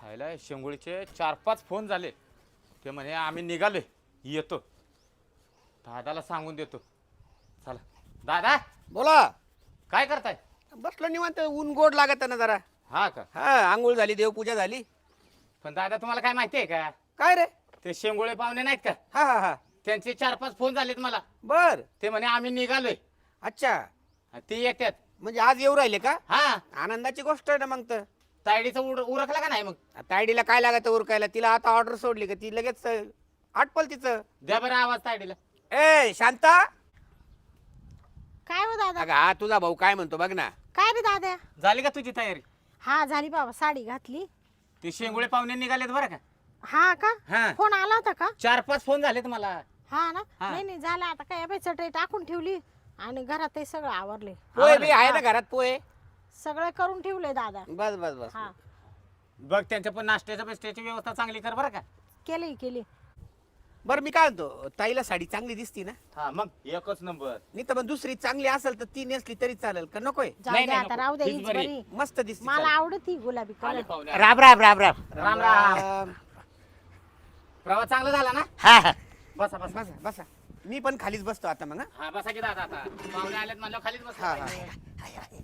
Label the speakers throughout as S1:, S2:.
S1: खायला शेंगुळीचे 4-5 फोन झाले. ते म्हणे आम्ही निघालोय, येतो. दादाला सांगून देतो. चला दादा,
S2: बोला.
S1: काय करताय?
S2: बसलो निवांत, ऊन गोड लागत ना जरा.
S1: हा का?
S2: हा, आंघोळ झाली, देवपूजा झाली.
S1: पण दादा तुम्हाला काय माहिती आहे का?
S2: काय रे?
S1: ते शेंगुळे पाहुणे नाहीत का,
S2: हा हा हा.
S1: त्यांचे 4-5 फोन झालेत मला.
S2: बर.
S1: ते म्हणे आम्ही निघालोय,
S2: अच्छा,
S1: ते येतात.
S2: म्हणजे आज येऊ राहिले का?
S1: हा,
S2: आनंदाची गोष्ट आहे ना मग तर.
S1: तायडीचं उरकला का नाही? मग
S2: तायडीला काय लागत उरकायला? तिला आता ऑर्डर सोडली का ती लगेच आटपल तिचं.
S1: द्या बरं आवाज तायडीला.
S2: ए शांता,
S3: काय हो दादा?
S2: अगं हा तुझा भाऊ काय म्हणतो बघ ना.
S3: काय रे दादा?
S1: झाली का तुझी तयारी?
S3: हा झाली बाबा, साडी घातली.
S1: ते शेंगुळे पाहुणे निघालेत बरं का.
S3: हा का?
S1: हा.
S3: फोन आला होता का?
S1: 4-5 फोन झालेत मला.
S3: हा ना.
S1: हा.
S3: नाही नाही झाला आता, काय बाई चटई टाकून ठेवली आणि घरात ते सगळं आवरले.
S2: पोहे बी आहे ना घरात? पोहे
S3: सगळं करून ठेवले दादा.
S2: बस बस बस.
S3: हा
S1: बघ त्यांच्या पण नाश्त्याच्या बिस्ट्याची व्यवस्था चांगली कर बरं का.
S3: केली.
S2: बरं मी काय म्हणतो, ताईला साडी चांगली दिसती ना?
S1: हा मग एकच नंबर.
S2: नाही तर मग दुसरी चांगली असेल तर ती नेसली तरी चालेल का? नकोय?
S3: जाऊ
S1: नाही,
S3: दे
S1: नाही,
S3: आता,
S1: नको.
S3: राहू दे,
S1: हीच
S3: हीच
S1: बरी.
S3: बरी.
S2: मस्त दिसती.
S3: मला आवडती गुलाबी
S1: आले
S3: कलर.
S1: पाहुणे.
S4: राम राम राम राम.
S1: राम राम. प्रवास चांगला झाला ना?
S4: हा हा.
S1: बसा बसा.
S2: बसा बसा. मी पण खालीच बसतो आता मग.
S1: हा बसा की दादा, आता पाहुणे आलेत म्हणल्यावर खालीच
S2: हा,
S1: बसा.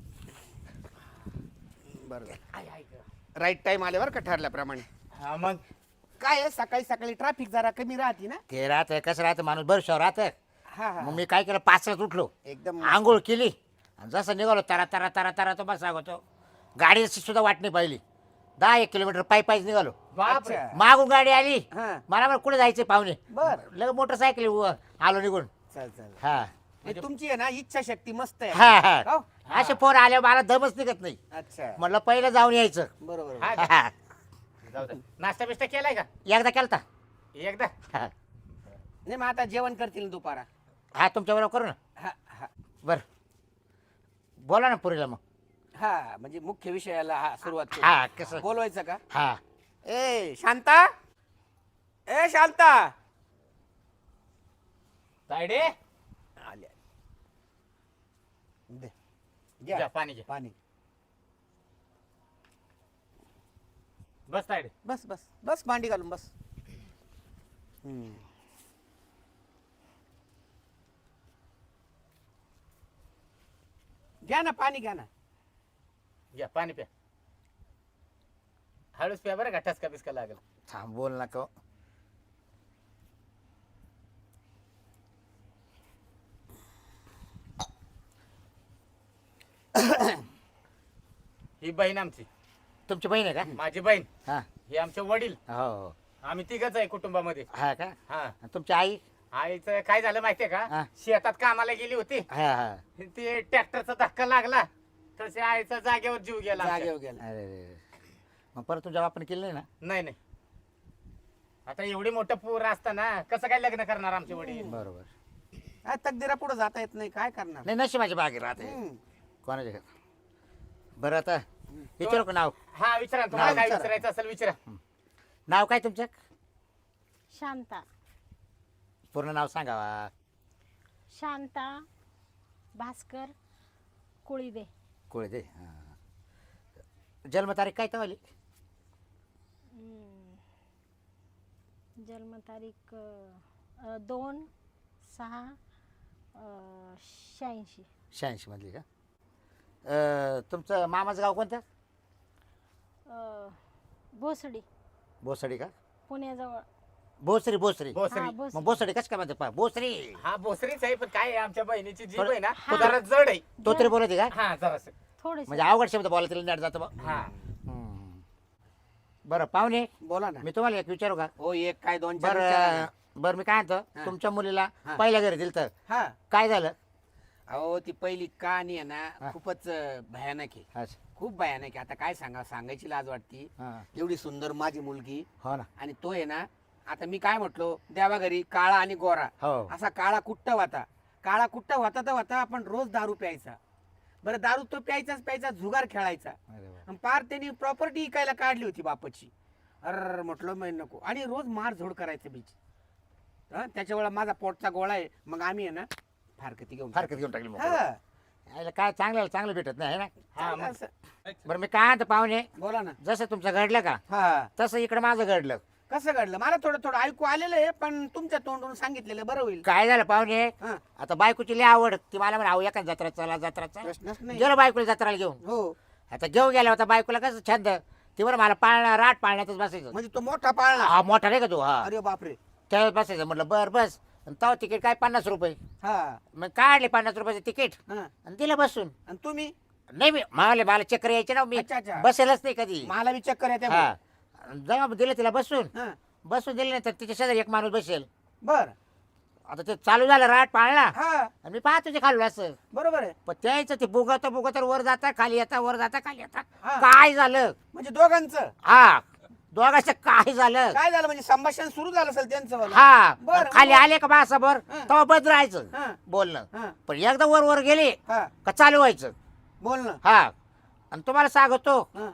S2: बरोबर. राईट टाइम आल्यावर का ठरल्याप्रमाणे.
S1: हा मग
S2: काय आहे, सकाळी सकाळी ट्रॅफिक जरा कमी राहते ना.
S4: ते राहत कसं राहतं माणूस बरं राहत.
S2: हा हा.
S4: मग मी काय केलं, 5 उठलो,
S2: एकदम
S4: आंघोळ केली आणि जसं निघालो तरा तरा तरा तरा तो बस सांगतो. गाडीची सुद्धा वाट नाही पाहिली. 10-1 किलोमीटर पायीच निघालो.
S1: बापरे.
S2: अच्छा.
S4: मागून गाडी आली.
S2: हा.
S4: मला बरं कुठे जायचे पाहुणे.
S2: बर.
S4: लग मोटरसायकल आलो निघून.
S2: चल चल.
S4: हा
S2: म्हणजे तुमची आहे ना इच्छा शक्ती मस्त आहे.
S4: हा हा.
S2: हो?
S4: असे फोन आले मला दमच निघत नाही.
S2: अच्छा,
S4: म्हटलं पहिलं जाऊन यायचं.
S2: बरोबर.
S1: हा का?
S4: हा.
S1: जाऊ दे. नाश्ता बिस्टा केलाय का?
S4: एकदा केलता.
S1: एकदा.
S4: हा
S2: नाही मग आता जेवण करतील ना दुपारा.
S4: हा, तुमच्या बरोबर करू ना.
S2: हा हा
S4: बरं बोला ना पुरीला मग.
S2: हा. म्हणजे मुख्य विषयाला हा सुरुवात करू.
S4: हा कसं.
S2: बोलवायचं का?
S4: हा
S2: ए शांता, ए शांता.
S1: तायडे
S2: आले. दे.
S1: घ्या
S2: घ्या
S1: पाणी घ्या.
S2: पाणी.
S1: बस तायडे.
S2: बस बस बस, मांडी घालून बस. घ्या ना पाणी, घ्या ना.
S1: घ्या पाणी प्या. हळूच प्या बरं का, ठसका बिस्का लागेल.
S4: थांब बोल नका.
S1: ही बहीण आमची,
S4: तुमची बहीण आहे का?
S1: माझी बहीण.
S4: हा
S1: हे आमचे वडील.
S4: हो.
S1: आम्ही तिघच आहे कुटुंबामध्ये.
S4: हा का?
S1: हा.
S4: आणि तुमची आई?
S1: आईचं काय झालं माहितीये
S4: हा.
S1: का, शेतात कामाला गेली होती.
S4: हा हा.
S1: ते ट्रॅक्टरचा धक्का लागला, तसे आईचा जागेवर जीव गेला आमच्या.
S2: जागेवर गेला.
S4: अरे मग परत तुमच्या बापाने केलं नाही ना?
S1: नाही नाही. आता एवढी मोठं पूर असताना कसं काय लग्न करणार आमचे वडील?
S4: बरोबर.
S2: काय तकदीरा पुढे जाता येत नाही, काय करणार.
S4: नाही नशिबाची बागे राहते
S2: हम्म.
S4: कोणाच्या घरात. बरं आता विचारू का नाव?
S1: हा विचारा ना, तुम्हाला
S2: नाव
S1: काय
S2: विचारा.
S1: विचारायचं असेल विचारा.
S4: नाव काय तुमचं?
S3: शांता.
S4: पूर्ण नाव सांगावा.
S3: शांता भास्कर कुळीदे.
S4: कोळी दे. हा. जन्मतारीख काय तवाली?
S3: जन्मतारीख 2/6/86.
S4: 86 मधली का? तुमचं मामाचं गाव कोणतं?
S3: भोसडी,
S4: बोसडी का?
S3: पुण्याजवळ.
S4: बोसरी बोसरी.
S1: भोसरी.
S3: हा,
S4: मग
S3: भोसडी.
S4: बोसडी कसं काय म्हणते पा बोसरी?
S1: हा भोसरीच आहे, पण काय आहे, आमच्या बहिणीची जीभ आहे ना
S3: हा.
S1: जरा जड आहे.
S4: तो तरी बोलते का?
S1: हा जरासं.
S3: थोडेसे.
S4: म्हणजे अवघड शब्द बोलायला तिला नेट जातं बा.
S1: हा.
S4: बरं पाहुणे,
S2: बोला ना.
S4: मी तुम्हाला एक विचारू का?
S2: हो, एक काय दोन चार विचारा
S4: बरं
S2: ना.
S4: बरं मी काय म्हणतो,
S2: हा.
S4: तुमच्या मुलीला
S2: हा.
S4: पहिल्या घरी दिलं तर
S2: हा.
S4: काय झालं?
S2: अहो ती पहिली कहाणी आहे
S4: हा.
S2: ना, खूपच भयानक आहे.
S4: अच्छा.
S2: खूप भयानक आहे. आता काय सांगायची लाज वाटती.
S4: हा.
S2: एवढी सुंदर माझी मुलगी,
S4: हो ना.
S2: आणि तो आहे ना, आता मी काय म्हटलो, देवा घरी काळा आणि गोरा,
S4: हो.
S2: असा काळा कुट्ट होता. काळा कुट्ट होता तर होता, आपण रोज दारू प्यायचा. बरं दारू तो प्यायचाच प्यायचा, जुगार खेळायचा.
S4: अरे वा.
S2: आणि पार त्यांनी प्रॉपर्टी इकायला काढली होती बापाची. अर म्हटलं मी नको, आणि रोज मार झोड करायचं बीच. त्याच्या वेळा माझा पोटचा गोळा आहे, मग आम्ही आहे ना फारकती घेऊन
S4: फारकत घेऊन टाकली मग.
S2: हा.
S4: यायला काय चांगलं भेटत नाही है ना.
S1: हा मग
S2: असं.
S4: बरं मी काय म्हणतो पाहुणे,
S2: बोला ना.
S4: जसं तुमचं घडलं का
S2: हा
S4: तसं इकडे माझं घडलं.
S2: कसं घडलं मला थोडं थोडं ऐकू आलेलं आहे, पण तुमच्या तोंडून सांगितलेलं बरं होईल.
S4: काय झालं पाहुणे,
S2: हा
S4: आता बायकोची लय आवड, ती मला म्हणा आऊ एका जत्रा चला
S2: प्रश्नच नाही.
S4: गेलो बायकोला जत्राला घेऊन.
S2: हो
S4: आता घेऊन गेला होता बायकोला, कसं छंद, ती बरं मला राट पाळण्यातच बसायचं.
S2: म्हणजे तो मोठा पाळणा.
S4: हा मोठा नाही का तू, हा
S2: अरे बापरे.
S4: त्यावेळेस बसायचं. म्हटलं बर बस. तेव्हा तिकीट काय 50 रुपये.
S2: हा
S4: मग काढले 50 रुपयाचं तिकीट
S2: हा
S4: आणि दिलं बसून.
S2: आणि तुम्ही?
S4: नाही मला चक्कर यायचे ना, मी
S2: अच्छा, अच्छा.
S4: बसेलच नाही कधी.
S2: मला बी चक्कर येते.
S4: हा जेव्हा दिलं तिला बसून
S2: हा
S4: दिले नाही तर तिच्या शेजारी एक माणूस बसेल.
S2: बर.
S4: आता ते चालू झालं राट पाळला
S2: हा
S4: आणि मी पाहतो ते खाल्लं असं.
S2: बरोबर आहे.
S4: पण त्याचं ते बुगत वर जाता खाली येता, वर जाता खाली येता.
S2: हा.
S4: काय झालं,
S2: म्हणजे दोघांचं
S4: हा दोघांचं काय झालं,
S2: काय झालं? म्हणजे संभाषण सुरू झालं असेल त्यांचं वालं.
S4: हा
S2: बरं,
S4: खाली
S2: बरं.
S4: आले का बासाभर
S2: हा.
S4: तेव्हा बंद राहायचं
S2: हा
S4: बोलणं.
S2: हा
S4: पण एकदा वर गेले
S2: हा
S4: का चालू व्हायचं.
S2: बोल ना.
S4: हा आणि तुम्हाला सांगतो
S2: हा.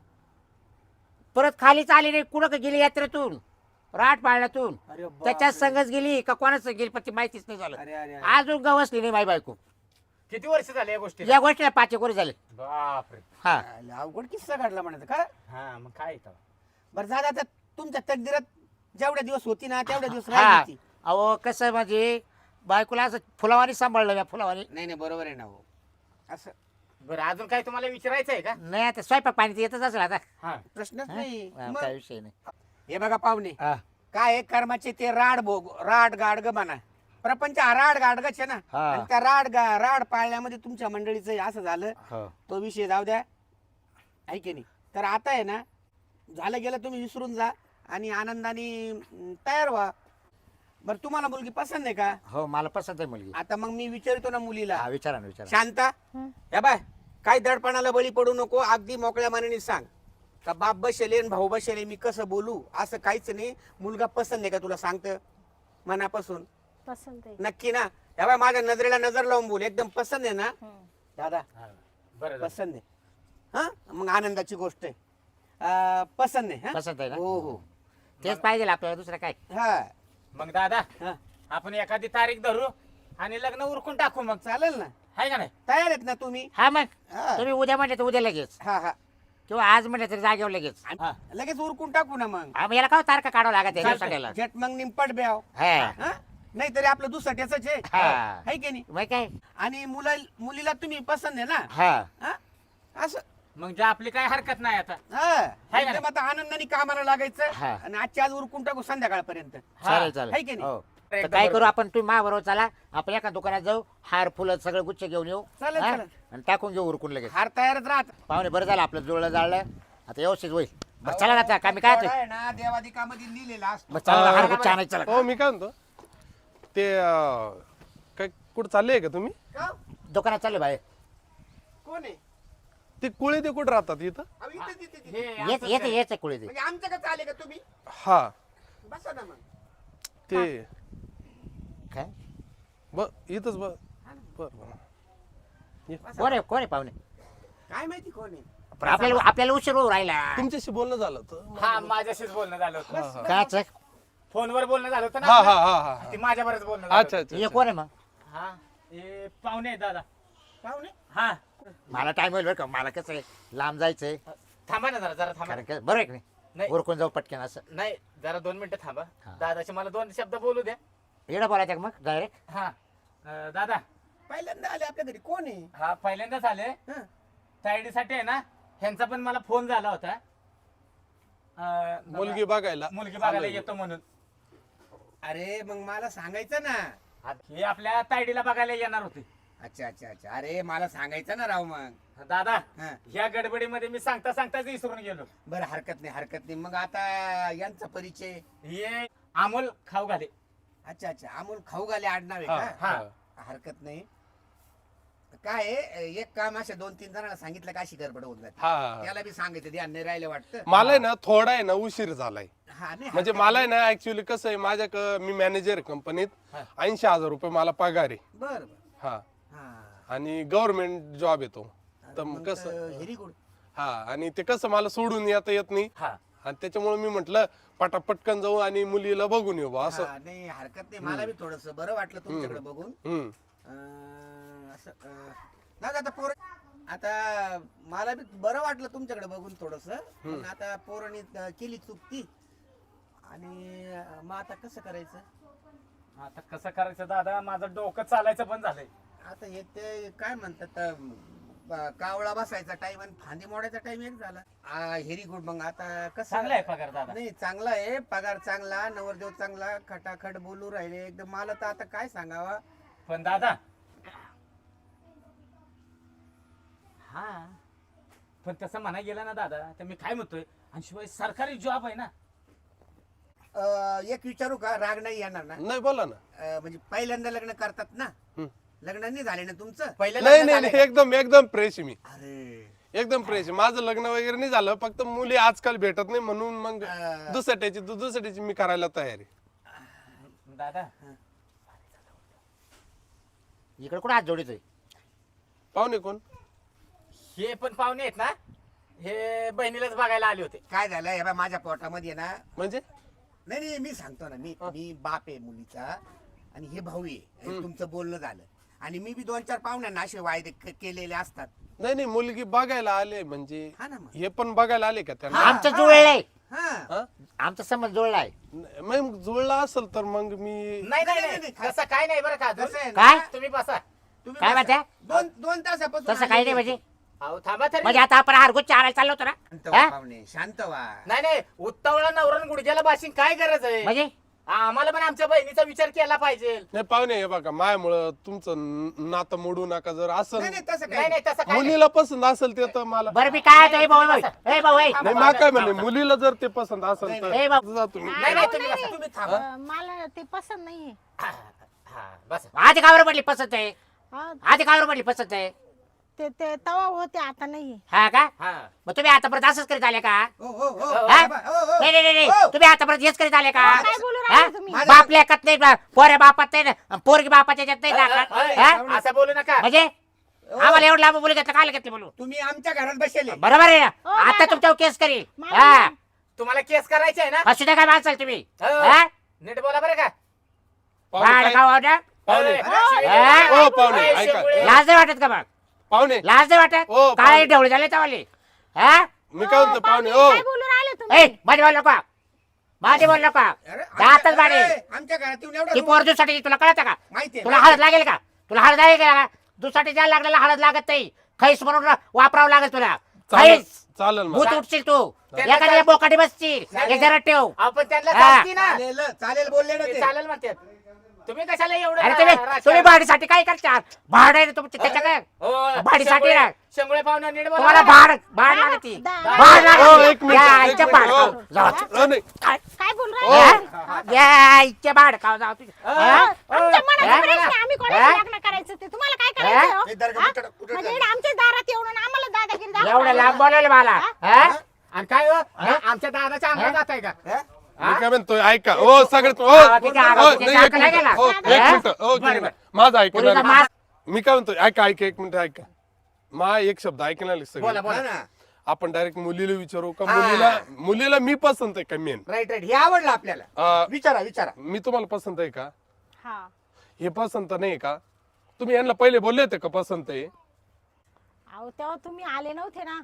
S4: परत खालीच आली नाही, कुठं का गेली यात्रेतून राट पाळण्यातून,
S2: अरे बापरे.
S4: त्याच्यात संगच गेली का कोणाच गेली पण ती माहितीच नाही झालं.
S2: अरे अरे अरे.
S4: अजून गवसली नाही माझी बायको.
S1: किती वर्ष झाले या गोष्टी?
S4: या गोष्टीला 5 एक वर्ष झाले.
S1: बापरे.
S4: हा
S2: अरे, अवघड किस्सा घडला म्हणायचं का?
S1: हा मग काय इथं?
S2: बरं झालं आता तुमच्या तकदीरात जेवढ्या दिवस होती ना तेवढ्या दिवस
S4: हा
S2: राहिली ती.
S4: अहो कसं म्हणजे बायकोला असं फुलावानी सांभाळलं मी, फुलावानी.
S2: नाही नाही बरोबर आहे ना हो. असं
S1: बरं अजून काय तुम्हाला विचारायचं आहे का?
S4: नाही आता स्वयंपाक पाणी तर येतच असेल आता.
S1: हा
S2: प्रश्नच
S4: हा?
S2: नाही.
S4: हा,
S2: मग
S4: काय विषय नाही.
S2: हे बघा पाहुणे,
S4: हा.
S2: काय आहे कर्माचे ते राड गाडग म्हणा. प्रपंच हा राड गाडगच आहे ना.
S4: हा.
S2: आणि त्या राड पाळण्यामध्ये तुमच्या मंडळीचं असं झालं.
S4: हो.
S2: तो विषय जाऊ द्या, ऐके नाही. तर आता आहे ना, झालं गेलं तुम्ही विसरून जा आणि आनंदाने तयार व्हा. बरं तुम्हाला मुलगी पसंत आहे का?
S4: हो मला पसंत आहे मुलगी.
S2: आता मग मी विचारतो ना मुलीला.
S4: हा विचारा ना विचारा.
S2: शांता,
S3: हं.
S2: या बाय काही दडपणाला बळी पडू नको. अगदी मोकळ्या मनाने सांग का बाप बसेले आणि भाऊ बसेले, मी कसं बोलू असं काहीच नाही. मुलगा पसंत आहे का तुला? सांगतं मनापासून
S3: पसंत आहे.
S2: नक्की ना? या बाय माझ्या नजरेला नजर लावून बोल, एकदम पसंत आहे ना?
S3: हं.
S2: दादा
S1: हा. बरं झालं.
S2: पसंत आहे. हा मग आनंदाची गोष्ट आहे. पसंत आहे. हा?
S4: पसंत आहे ना?
S2: हो हो.
S4: तेच पाहिजे आपल्याला, दुसरं काय.
S2: हा
S1: मग दादा
S2: हा
S1: आपण एखादी तारीख धरू आणि लग्न उरकून टाकू मग.
S2: चालेल ना?
S1: आहे का नाही?
S2: तयार आहेत ना तुम्ही?
S4: हा मग
S2: हा
S4: तुम्ही उद्या म्हणले तर उद्या लगेच,
S2: हा हा.
S4: किंवा आज म्हणले तरी जागेवर लगेच.
S1: हा.
S2: लगेच उरकून टाकू ना मग.
S4: हा, मग याला काय तारखा काढावं लागत
S1: चालतंय.
S4: आहे.
S2: झट मग निंपट ब्याव.
S4: हा
S2: नाही तरी आपलं दुसऱ्याच आहे.
S4: हा.
S2: है की नाही?
S4: मग काय.
S2: आणि मुलीला तुम्ही पसंत आहे ना?
S4: हा
S2: हा? असं
S1: मग जे आपली काय हरकत नाही आता.
S2: हा.
S1: का
S2: एकदम आता आनंदाने कामाला लागायचं
S4: हा.
S2: आणि आजच्या आज उरकून टाकू संध्याकाळपर्यंत.
S4: चालेल
S2: है
S4: चालेल
S2: की नाही?
S4: हो. तर
S1: एकदम
S4: काय
S1: बरोबर.
S4: करू आपण, तुम्ही माझ्याबरोबर चला, आपण एका दुकानात जाऊ, हार फुलं सगळं गुच्छ घेऊन येऊ.
S2: चालेल,
S4: हा?
S2: चालेल.
S4: आणि टाकून घेऊ उरकून लगेच.
S2: हार तयारच राहत.
S4: पाहुणे बरं झालं आपलं जुळलं जाळलं, आता व्यवस्थित होईल. बरं चला ना आता, काय मी काय
S2: थोडा आहे ना देवादिकामध्ये लिहिलेला असतो.
S4: बरं चला ना, हार गुच्छ आणायचं चला.
S5: हो मी काय म्हणतो ते काय कुठं चालले का तुम्ही?
S2: का?
S4: दुकानात चालले बाहेर.
S2: कोण आहे?
S5: ते कुळे ते कुठं राहतात इथं?
S2: अहो, इथेच, इथेच, इथेच.
S1: हे
S4: येत
S1: असंच
S4: येत
S1: आहे.
S4: येत कुळे ते.
S2: म्हणजे आमच्या का आले का तुम्ही?
S5: हा
S2: बसा ना मग.
S5: ते
S4: काय
S5: इथंच बर बर
S4: कोण आहे पाहुणे?
S2: काय माहिती कोण आहे?
S4: पण आपल्याला उशीर होऊ राहिला.
S5: तुमच्याशी बोलणं झालं होतं.
S1: हा माझ्याशीच बोलणं झालं होतं.
S4: काच
S1: फोनवर बोलणं झालं होतं
S5: हा
S1: ना
S5: हा
S1: आपलं?
S5: हा हा
S1: ती माझ्यावरच बोलणं झालं
S5: अच्छा
S1: होतं.
S5: अच्छा
S4: हे
S5: अच्छा.
S4: कोण आहे मग?
S1: हा हे पाहुणे आहेत दादा.
S2: पाहुणे?
S1: हा
S4: मला टाइम होईल बरं का, मला कसं आहे लांब जायचंय.
S1: थांबा ना जरा थांबा
S4: कारण
S1: ना.
S4: का बरं आहे की नाही,
S1: नाही
S4: उरकून जाऊ पटकन असं.
S1: नाही जरा 2 मिनिटं थांबा.
S4: हा.
S1: दादाचे मला 2 शब्द बोलू द्या.
S4: येणं बोलायचं का मग डायरेक्ट?
S1: हा दादा
S2: पहिल्यांदा आले आपल्या घरी. कोण आहे?
S1: हा पहिल्यांदाच आले.
S2: हं.
S1: तायडीसाठी आहे ना, ह्यांचा पण मला फोन झाला होता.
S5: मुलगी बघायला
S1: मुलगी बघायला
S5: आलोय.
S1: येतो म्हणून.
S2: अरे मग मला सांगायचं ना.
S1: हे आपल्या तायडीला बघायला येणार होते.
S2: अच्छा अच्छा अच्छा. अरे मला सांगायचं ना राव मग.
S1: दादा
S2: हा.
S1: ह्या गडबडीमध्ये मी सांगताच विसरून गेलो.
S2: बरं हरकत नाही हरकत नाही. मग आता यांचा परिचय.
S1: हे अमोल खाऊ घाले.
S2: अच्छा अच्छा. अमोल खाऊ घाले आडनाव आहे
S5: हा,
S2: का?
S5: हा.
S2: हरकत नाही. काय आहे, एक काम अशा 2-3 जणांना सांगितलं का अशी गडबड होऊन जाते.
S5: हा, हा
S2: त्याला बी सांगायचं ध्यान नाही राहिलं वाटतं.
S5: मला आहे ना थोडा आहे ना उशीर झालाय.
S2: हा नाही
S5: म्हणजे
S2: हरकत
S5: मला आहे ना ऍक्च्युली कसं आहे मी मॅनेजर कंपनीत.
S1: हा.
S5: 80,000 रुपये मला पगार आहे.
S2: नाही. बरं बरं.
S5: हा
S2: हा.
S5: आणि गव्हर्नमेंट जॉब येतो. तर
S2: मग
S5: मग कसं
S2: व्हेरी गुड.
S5: हा आणि ते कसं मला सोडून येता येत नाही.
S1: हा
S5: आणि त्याच्यामुळे मी म्हटलं पटापटकन जाऊ आणि मुलीला बघून येऊ बा असं.
S2: हा, नाही हरकत नाही. मला बी थोडस बरं वाटलं तुमच्याकडे बघून.
S5: हम्म.
S2: असं आता पोर आता मला बी बरं वाटलं तुमच्याकडे बघून थोडस पण आता पोरांनी केली चुकती आणि मग आता कसं करायचं
S1: आता कसं करायचं दादा, माझं डोकं चालायचं पण झालंय.
S2: आता हे ते काय म्हणतात कावळा बसायचा टाइम आणि फांदी मोडायचा टाइम एक झाला. Very good. मग आता कसं
S1: चांगला आहे पगार दादा.
S2: नाही चांगला आहे पगार, चांगला नवरदेव, चांगला खटाखट बोलू राहिले एकदम. मला तर आता काय सांगावा.
S1: पण दादा हा पण तसं म्हणा गेलं ना दादा तर मी काय म्हणतोय, आणि शिवाय सरकारी जॉब आहे ना.
S2: एक विचारू का, राग नाही येणार ना?
S5: नाही बोला ना.
S2: म्हणजे पहिल्यांदा लग्न करतात ना,
S5: हं.
S2: लग्न नाही झाले ना तुमचं?
S1: पहिलं
S5: नाही
S1: लग्न
S5: नाही
S1: झालंय
S5: नाही, एकदम एकदम फ्रेश मी,
S2: अरे
S5: एकदम फ्रेश. माझं लग्न वगैरे नाही झालं, फक्त मुली आजकाल भेटत नाही म्हणून मग दुसऱ्याची मी करायला तयारी.
S1: का? दादा
S4: इकडे कुठं हात जोडीतोय?
S5: पाहुणे कोण?
S1: हे पण पाहुणे आहेत ना, हे बहिणीलाच बघायला आले होते.
S2: काय झालं हे बघ, माझ्या पोटामध्ये ना,
S5: म्हणजे
S2: नाही नाही मी सांगतो ना, मी बाप आहे मुलीचा आणि हे भाऊ आहे. आणि तुमचं बोलणं झालं आणि मी बी 2-4 पाहुण्यांना असे वायदे केलेले असतात.
S5: नाही नाही, मुलगी बघायला आले म्हणजे
S2: हा ना मग.
S5: हे पण बघायला आले का त्यांना?
S4: आमचं जुळलंय,
S2: हा
S5: हा?
S4: आमचा संबंध जुळलाय.
S5: मग जुळला असेल तर मग मी
S1: नाही नाही
S2: नाही,
S1: नाही,
S2: नाही,
S1: तसं काय नाही बरं का.
S2: कसं आहे
S4: काय?
S2: ना,
S1: तुम्ही बसा.
S2: तुम्ही
S4: काय
S2: बसा.
S4: म्हणताय?
S2: दोन तासापासून
S4: तसं काही नाही म्हणजे.
S1: अहो थांबा तरी.
S4: म्हणजे आता आपण हारगुच्छ आणायला चाललो होतो
S2: शांत
S4: ना,
S2: व्हा
S4: हा?
S2: पाहुणे, शांत व्हा.
S1: नाही नाही, उत्तावळा नवरण गुडघ्याला बाशिंग काय गरज आहे?
S4: म्हणजे
S1: आम्हाला पण आमच्या बहिणीचा विचार केला पाहिजे.
S5: नाही पाहुणे, हे बघा मायामुळं तुमचं नातं मोडू नका. जर असं
S2: नाही नाही तसं
S1: नाही
S2: काही
S1: नाही, तसं काय नाही.
S5: मुलीला पसंत असेल ते तर मला
S4: बरं मी काय होतो, ए भाऊ, ए भाऊ, ए.
S5: नाही मा काय म्हणले, मुलीला जर ते पसंत असेल तर
S4: ए बाबा.
S5: जा तुम्ही.
S1: नाही नाही, तुम्ही बसा.
S2: तुम्ही थांबा.
S3: मला ते पसंत नाहीये.
S1: हा, हा, बसा.
S4: आधी कावर पडली पसंत आहे,
S3: हा,
S4: आधी कावर पडली पसंत आहे.
S3: ते तवा होते आता नाहीये.
S4: हा का?
S1: हा.
S4: मग तुम्ही आतापर्यंत असंच करीत आले का?
S2: हो हो हो
S4: हा?
S2: बाबा, हो, हो.
S4: नाही नाही नाही,
S2: हो.
S4: तुम्ही आतापर्यंत हेच करीत आले का?
S3: काय बोलू
S4: हा?
S3: राहिले तुम्ही?
S2: माझं-
S4: बाप लेखत नाही, पोऱ्या बापात नाही ना, पोरगी बापाच्या याच्यात नाही दाखल.
S1: अय,
S4: हा?
S1: असं बोलू नका.
S4: म्हणजे आम्हाला एवढं लांब बोलू घेतलं, काय घेतलं बोलू?
S2: तुम्ही आमच्या घरात बसले.
S4: बरोबर आहे ना?
S3: हो,
S4: आता
S3: दादा.
S4: तुमच्यावर केस करील.
S3: मला
S4: हा,
S3: नाही.
S1: तुम्हाला केस करायचे आहे ना?
S4: असू द्या काय माणसाल तुम्ही.
S1: हो.
S4: हा?
S1: नीट बोला बरं का.
S5: पाहुणे
S4: भाड
S5: काय-
S4: खाऊ द्या.
S5: पाहुणे
S1: अय,
S4: हा?
S5: ओ पाहुणे
S1: अय,
S5: ऐका.
S1: शेंगुळे.
S4: लाज नाही वाटत का मग?
S5: पाहुणे
S4: लाज नाही वाटत?
S5: हो,
S4: काय
S5: पाहुणे.
S4: ढवळे झाले तवाले? हा?
S5: मी काय म्हणतो पाहुणे ओ
S3: काय बोलू राहिले
S4: ए,
S3: तुम्ही?
S4: माझे बोल नका, माझे बोल नका.
S2: अरे,
S4: दातच बाडे.
S2: आमच्या घरात येऊन एवढं
S4: ती पोर दुसाठी तुला कळत का?
S2: माहिती
S4: तुला हळद लागेल का? तुला हळद लागेल का? दुसाठी द्यायला लागलेला हळद लागत नाही. खैस म्हणून वापरावं लागेल तुला.
S5: चालेल
S4: खैस
S5: चालेल मग
S4: भूत उठशील तू,
S1: त्यांना
S4: एखाद्या बोकाटी बसशील. एक जरा ठेव.
S1: आपण त्यांना
S4: हा.
S1: चालती ना.
S2: चालेल चालेल बोलले ना
S1: ते
S2: ते.
S1: चालेल म्हणतात. तुम्ही कशाला एवढं
S4: अरे तुम्ही
S1: राजकारण-
S4: भाडीसाठी काय करता? भाड आहे ना तुमच्या त्याच्या काय?
S1: हो,
S4: भाडीसाठी ना.
S1: शेंगुळे पाहुणे नीट बोला
S4: तुम्हाला
S1: बरं का?
S4: भाड लागते.
S3: दा-
S4: भाड
S5: हो, एक
S4: लागते.
S5: मिनिट,
S4: या
S5: एक
S4: आईच्या
S5: मिनिट.
S4: भाड
S5: हो.
S4: खाऊ. जाऊ.
S5: नाही
S4: काय?
S3: काय बोलू
S5: हो.
S3: राहिले?
S4: या आईच्या भाड खाऊ जाऊ तुम्ही. हा?
S3: आमच्या मनात
S4: हा?
S3: प्रश्न आहे, आम्ही कोणाशी
S4: हा?
S3: लग्न करायचं ते तुम्हाला काय करायचं हो?
S2: हे दर्गा
S3: हा?
S2: कुठं- कुठं
S3: म्हणजे
S2: झालं?
S3: इकडे आमच्या दारात येऊन आणि आम्हाला दादागिरी दाखवायला
S4: एवढं लांब
S3: लागला.
S4: बोलवलं मला.
S3: हा?
S4: हा?
S1: आणि काय हो? आमच्या दादाच्या अंगात जात आहे का?
S2: हा?
S5: मी काय म्हणतोय ऐका ओ सगळ्यात ओ
S4: हा, तिथे आगा,
S5: ओ,
S4: तिथे
S5: नाही, एक
S4: दाखला
S5: मिनिट.
S4: गेला.
S5: ओ,
S4: हा?
S5: एक मिनिट ओ
S4: बरं, बरं.
S5: माझं ऐकणार
S4: पोरीचा मास-
S5: मी काय म्हणतोय ऐका ऐका एक मिनिट ऐका मा एक शब्द ऐकणार
S1: बोला
S5: सगळं
S1: बोला.
S2: हा ना.
S5: आपण डायरेक्ट मुलीला विचारू का
S2: हा.
S5: मुलीला मी पसंत आहे का मेन
S2: राईट राईट हे आवडलं आपल्याला. विचारा विचारा.
S5: मी तुम्हाला पसंत आहे का?
S3: हा.
S5: हे पसंत नाही का? तुम्ही यांना पहिले बोलले होते का पसंत आहे?
S3: अहो तेव्हा तुम्ही आले नव्हते ना,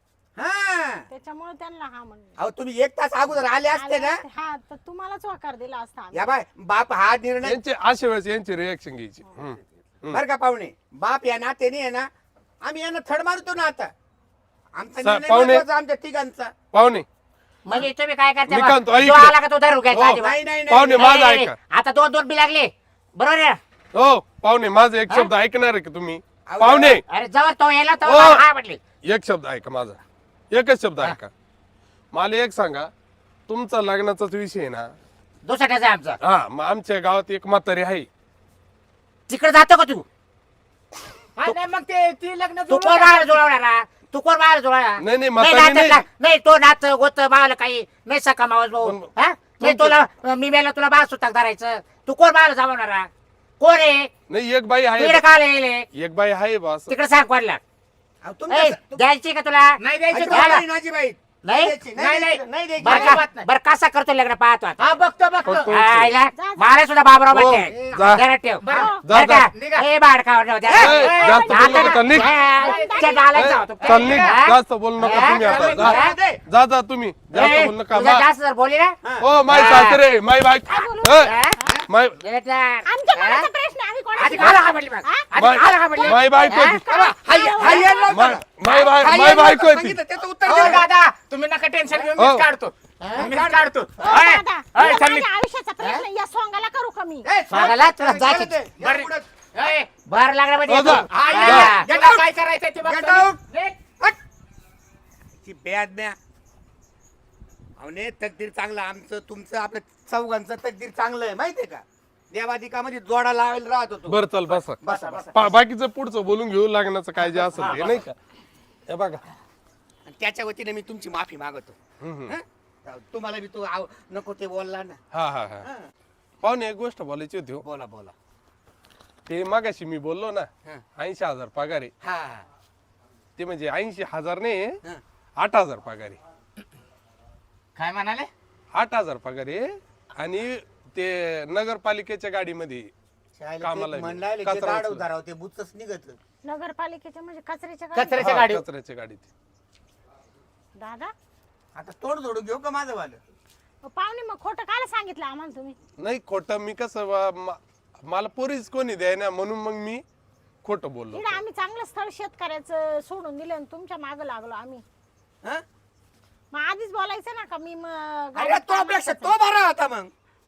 S2: हा
S3: त्याच्यामुळे त्यांना हा म्हणलं.
S2: अहो तुम्ही 1 तास अगोदर आले असते ना.
S3: हा, तर तुम्हालाच होकार दिला असता आम्ही.
S2: या बाय बाप हा निर्णय
S5: यांचे अशा वेळेस यांची रिएक्शन घ्यायची
S2: बर का पाहुणे. बाप या नात्याने आहे ना, आम्ही यांना थड मारतो ना आता. आमचा निर्णय
S5: पाहुणे-
S2: महत्वाचा आमच्या तिघांचा.
S5: पाहुणे
S4: म्हणजे तुम्ही काय करता
S5: मी
S4: बा?
S5: काय म्हणतो, ऐक
S4: जो
S5: ना.
S4: आला का तो धरू घ्यायचा
S5: हो,
S4: आधी बा.
S2: नाही नाही
S5: पाहुणे
S2: नाही
S5: माझं
S4: नाही, नाही,
S5: ऐका.
S4: आता 2-2 बी लागले. बरोबर आहे ना?
S5: हो पाहुणे माझा एक शब्द ऐकणार आहे का तुम्ही?
S2: अहो,
S5: पाहुणे
S4: अरे जवळ तो यायला
S5: हो.
S4: तो हा म्हटले.
S5: एक शब्द ऐका माझा, एकच शब्द ऐका. मला एक सांगा, तुमचा लग्नाचाच विषय आहे ना?
S4: दुसऱ्याचा आहे आमचा.
S5: हा मग आमच्या गावात एक म्हातारी आहे.
S4: तिकडे जातो का तू?
S1: हा, नाही मग ते ती लग्न
S4: तू कोण बाहेर जुळवणार? तू कोण बाहेर जुळवणार?
S5: नाही, नाही,
S4: नाही
S5: म्हातारी नाही.
S4: नात्यातला- नाही तो नाच गोत बाळाला काही नाही सका मावस भाऊ.
S5: पण-
S4: हा? नाही तुला मी मेला तुला बाळ सुताक धरायचं. तू कोण बाहेर जमवणार? कोण आहे?
S5: नाही एक बाई
S4: तिकडे
S5: आहे,
S4: काय येईल?
S5: एक बाई आहे बस.
S4: तिकडे सांग कोणला.
S2: अहो,
S4: ए,
S2: तुमच्या-
S4: द्यायची का तुला?
S1: नाही द्यायची
S2: अजिबात
S1: तुम्हाला.
S2: नाही, नाजीबाई.
S4: नाही
S1: नाही, नाही.
S2: नाही द्यायची.
S4: बरं
S1: अजिबात
S4: का
S1: नाही.
S4: बरं कसा करतो लग्न पाहतो आता
S1: हा बघतो बघतो
S5: बघतो.
S4: आईला
S3: जा.
S4: मला सुद्धा बाबराव
S5: हो,
S4: म्हणते
S5: जा.
S4: जरा ठेव
S1: बरं.
S4: बरं
S5: जा,
S4: का
S1: निघा.
S4: ए बाडकावर ठेव, जरा.
S5: ए, जास्त
S4: जा
S5: बोलू नका, निघ.
S4: त्या डालात जाऊ तू.
S5: चल निघ,
S4: हा?
S5: जास्त बोलू नका तुम्ही आता जा जा तुम्ही जास्त
S4: ए,
S5: बोलू नका
S4: तुझं जास्त जर बोलली ना
S5: ओ माय सासरे माय बाईक माय
S4: बेटा.
S3: आमच्या मनाचा प्रश्न आहे, आम्ही
S4: आधी
S3: कोणाची
S4: मला का म्हणली बघ? आधी
S5: माय
S4: मला का म्हणली?
S5: माय बायको
S4: हा?
S5: माय बायको होती
S2: त्याचं उत्तर
S1: हो,
S2: दे.
S1: दादा तुम्ही नका टेन्शन घेऊ
S5: हो.
S1: मीच काढतो मीच काढतो
S3: हो,
S1: अय,
S3: दादा,
S1: अय,
S3: मला
S1: चालली.
S3: माझ्या आयुष्याचा प्रश्न या सोंगाला करू कमी
S2: ए,
S4: सांगायला तुला जायचं.
S2: दे. या
S1: बरं.
S2: पुढं.
S1: अय,
S4: बाहेर लागला म्हणजे
S5: हो, जा.
S4: येतो.
S1: हा,
S4: हा.
S1: या, याला काय करायचंय ते
S2: Get
S1: बघतो
S2: out.
S1: मी. निघ.
S2: ती बेआज्ञा. अवने तकदीर चांगलं आमचं तुमचं आपलं चौघांचं तकदीर चांगलं आहे माहितीये का देवाधिकामध्ये जोडा लावायला राहत होतो
S5: बर चल बसा
S2: बसा बसा
S5: बाकीचं पुढचं बोलून घेऊ लागण्याचं काय जे असेल ते नाही का हे बघा
S2: आणि त्याच्या वतीने मी तुमची माफी मागवतो
S5: हम्म.
S2: हं? तुम्हाला बी तो नको ते बोलला ना
S5: हा हा हा
S2: हं.
S5: पाहुणे एक गोष्ट बोलायची होती हो.
S2: बोला बोला
S5: ते मागाशी मी बोललो ना
S2: हं.
S5: 80,000 पगार आहे
S2: हा हा.
S5: ते म्हणजे 80,000 नाही
S2: हं.
S5: 8,000 पगार आहे
S1: काय म्हणाले
S5: 8,000 पगार आहे आणि ते नगरपालिकेच्या गाडीमध्ये
S2: शाळेला
S5: कामाला
S2: ते
S5: आहे.
S2: म्हणलाय
S5: कचरा
S2: ते दाढ
S5: उचलत.
S2: उतारावं, ते बुचच निघत
S3: नगरपालिकेच्या म्हणजे कचऱ्याच्या गाडीत.
S1: कचऱ्याच्या
S5: हा,
S1: गाडीवर.
S5: कचऱ्याच्या गाडीत
S3: दादा
S2: आता तोड जोडू घेऊ का माझं वालं
S3: पाहुणे मग खोटं काल सांगितलं आम्हाला तुम्ही
S5: नाही खोटं मी कसं मला पोरीच कोणी द्याय ना म्हणून मग मी खोटं बोललो
S3: इकडे आम्ही चांगलं स्थळ शेतकऱ्याचं सोडून दिलं आणि तुमच्या मागं लागलो आम्ही
S2: हं?
S3: मग आधीच बोलायचं ना का मी मग
S2: अरे तो पेक्षा तो बरा होता मग